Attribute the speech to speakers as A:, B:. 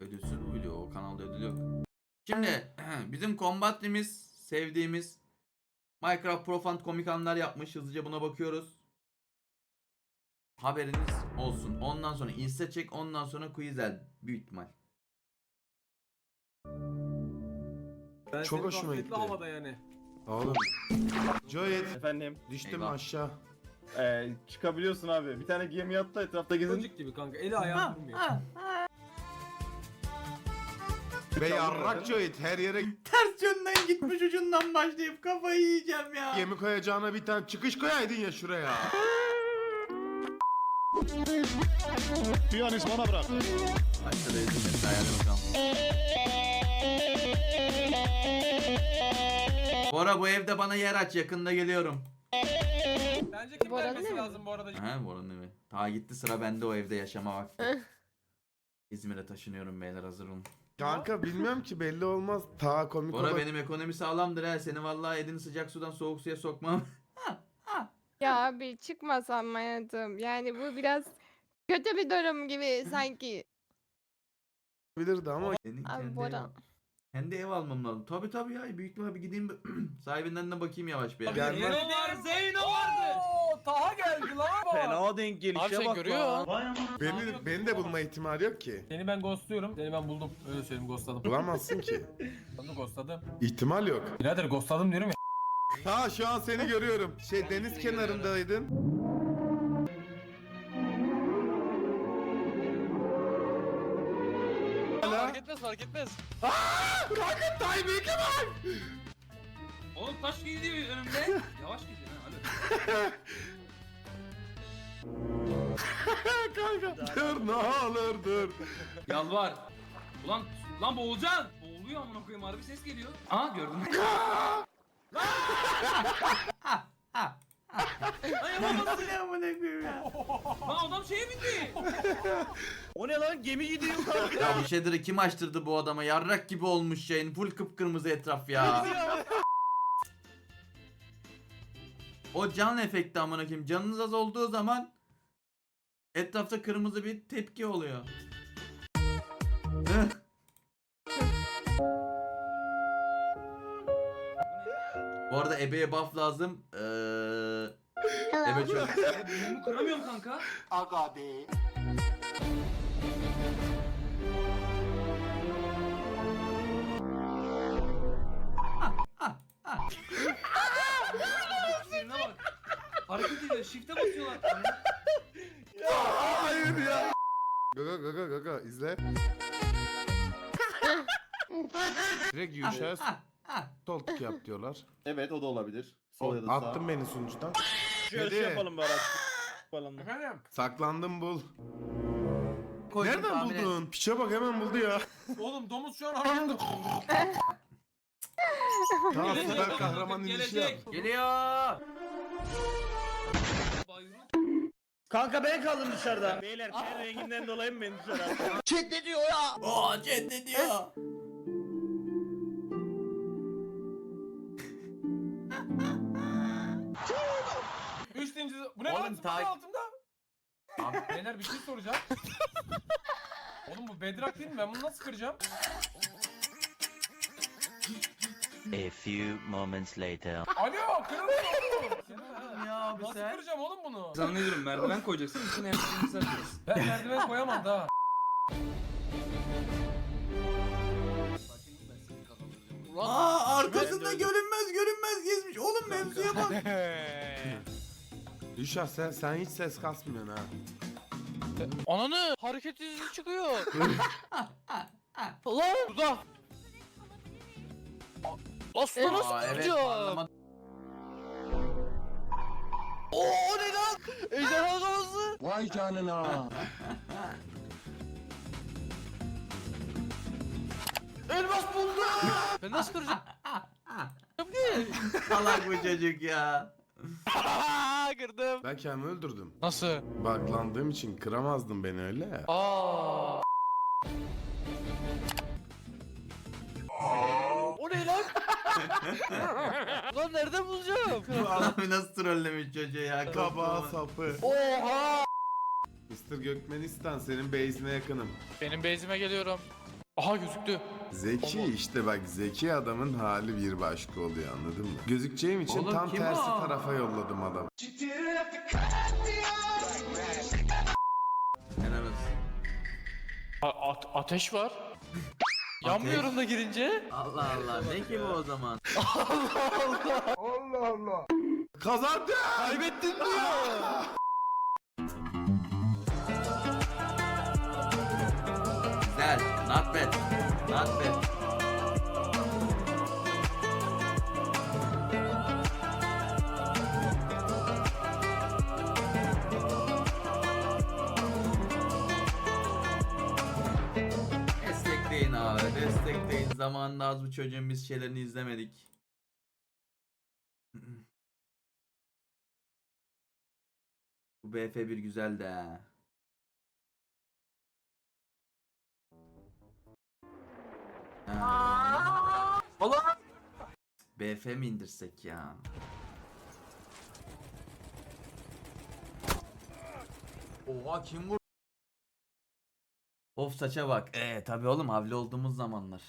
A: Ödülsüz bu video. O kanalda ödül yok. Şimdi bizim kombatlimiz sevdiğimiz Minecraft Profund komik anlar yapmış. Hızlıca buna bakıyoruz. Haberiniz olsun. Ondan sonra insta çek, ondan sonra Quizzel büyük ihtimal.
B: Ben
C: Çok
B: seni
C: hoşuma
B: gafletli
C: gitti.
B: havada yani.
C: Oğlum. Joyet.
D: Efendim,
C: Düştüm
A: Eyvah.
C: aşağı.
D: çıkabiliyorsun abi. Bir tane gemi yattı etrafta gezin.
B: Çocuk gibi kanka. Eli ayağı durmuyor.
C: Ve yarrak Joyet her yere
A: Ters yönden gitmiş, ucundan başlayıp kafayı yiyeceğim ya.
C: gemi koyacağına bir tane çıkış koyaydın ya şuraya.
E: Piyanist bana bırak.
A: Başta da izin hayal bakalım. Bora bu evde bana yer aç, yakında geliyorum.
B: Bence kim
F: Bora'nın
B: vermesi
F: evi.
B: lazım bu arada?
A: He Bora'nın evi. Ta gitti, sıra bende o evde yaşama vakti. İzmir'e taşınıyorum beyler, hazır olun.
C: Kanka bilmiyorum ki, belli olmaz. Ta komik
A: Bora
C: olur.
A: benim ekonomi sağlamdır he. Seni vallahi elini sıcak sudan soğuk suya sokmam.
F: Ya abi çıkmasam hayatım. Yani bu biraz kötü bir durum gibi sanki.
C: Bilirdi ama
A: Senin
F: Abi
A: kendi
F: Bora.
A: kendi ev almam lazım. Tabii ya, büyük ihtimalle bir gideyim sahibinden de bakayım yavaş bir.
C: Gel-
B: Zeyno var, Zeyno vardı. Taha geldi lan.
D: Fena denk gelişe bak görüyor.
C: beni de bulma ihtimali yok ki.
B: Seni ben ghostluyorum. Seni ben buldum. Öyle söyleyeyim, ghostladım.
C: Bulamazsın ki.
B: Ben de ghostladım.
C: İhtimal yok.
B: Birader ghostladım diyorum ya.
C: Ha şu an seni görüyorum. Deniz kenarındaydın.
G: Fark etmez, fark etmez.
C: Rocket timing'i var.
G: Oğlum taş gidiyor önümde. Yavaş gidiyor ha.
C: Kanka dur ne olur dur.
G: Yalvar. Lan boğulacaksın. Boğuluyor amına koyayım, harbi ses geliyor. Aa gördüm. Ay yapamazsın.
A: Ne amına koyayım ya.
G: Lan adam şeye bindi.
D: O ne lan? Gemi gidiyor kanka.
A: Ya bu shader'ı kim açtırdı bu adama? Yarrak gibi olmuş yayın. Full kıpkırmızı etraf ya. O can efekti amına koyayım. Canınız az olduğu zaman etrafta kırmızı bir tepki oluyor. Bu arada ebeye buff lazım. Ebe çok...
G: Bunu kıramıyorum kanka. Sinirine bak. Hareket ediyor, shift'e basıyorlar.
C: Hayır ya. Gaga izle. Direkt yuşaya sol tık yap diyorlar.
D: Evet, o da olabilir. Sol ya da sağ.
C: Attın beni sunucudan.
D: Şöyle
C: Hadi.
D: şey yapalım bari. Falan.
B: Efendim?
C: Saklandım bul.
A: Koydum,
C: Nereden
A: tahmin et.
C: buldun? Piçe bak hemen buldu ya.
B: Oğlum domuz şu an hareket
C: Tamam
G: Gelecek
C: süper
G: oğlum,
C: kahraman inişi yap.
A: Geliyor.
G: Bayram.
D: Kanka ben kaldım dışarıda. Beyler ten renginden dolayı mı beni dışarı attın?
A: Oo cennet diyor.
B: Üç zincir. Bu ne
A: Oğlum,
B: lan? Zıpkın altında. Abi beyler bir şey soracağım. Oğlum bu bedrock değil mi? Ben bunu nasıl kıracağım?
H: A few moments later.
B: Alo kırılmıyor oğlum.
A: Ya abi
B: Nasıl
A: sen.
B: kıracağım oğlum bunu?
G: Zannediyorum merdiven koyacaksın. İçine yapacağını sereceğiz.
B: Ben merdiven koyamam daha.
A: Arkasında görünmez gezmiş. Oğlum mevzuya bak.
C: Düşa sen hiç ses kasmıyorsun ha.
I: Ananı hareket izi çıkıyor. Lan burada. Aslan
A: Aa,
I: nasıl
A: evet,
I: kıracağım?
A: anlamadım.
I: Oo o ne lan? Ejderha kafası.
E: Vay canına.
I: Elmas buldum. Ben nasıl kıracağım?
A: Salak bu çocuk ya.
I: Kırdım.
C: Ben kendimi öldürdüm.
I: Nasıl?
C: Baklandığım için kıramazdın beni öyle.
I: Aa. O ne lan? Lan nereden bulacağım?
A: Bu adamı nasıl trollemiş çocuğu ya.
C: Kabağa sapı.
I: Oha!
C: Mr. Gökmenistan senin base'ine yakınım.
I: Benim base'ime geliyorum. Aha gözüktü.
E: Zeki işte bak zeki adamın hali bir başka oluyor anladın mı? Gözükeceğim için
A: Oğlum,
E: tam
A: kim
E: tersi
A: o?
E: tarafa yolladım adamı.
A: Helal olsun.
I: Ateş var. Yanmıyorum da girince.
A: Allah Allah. Ne ki bu o zaman?
E: Kazandım!
I: Kaybettin diyor.
A: Güzel. Not bad. Not bad. Destekleyin abi. Destekleyin. Zamanında az bu çocuğun biz şeylerini izlemedik. Bu BF1 güzel de.
G: Allah!
A: BF mi indirsek ya? Oha kim vurdu? Of saça bak. Tabi oğlum havli olduğumuz zamanlar.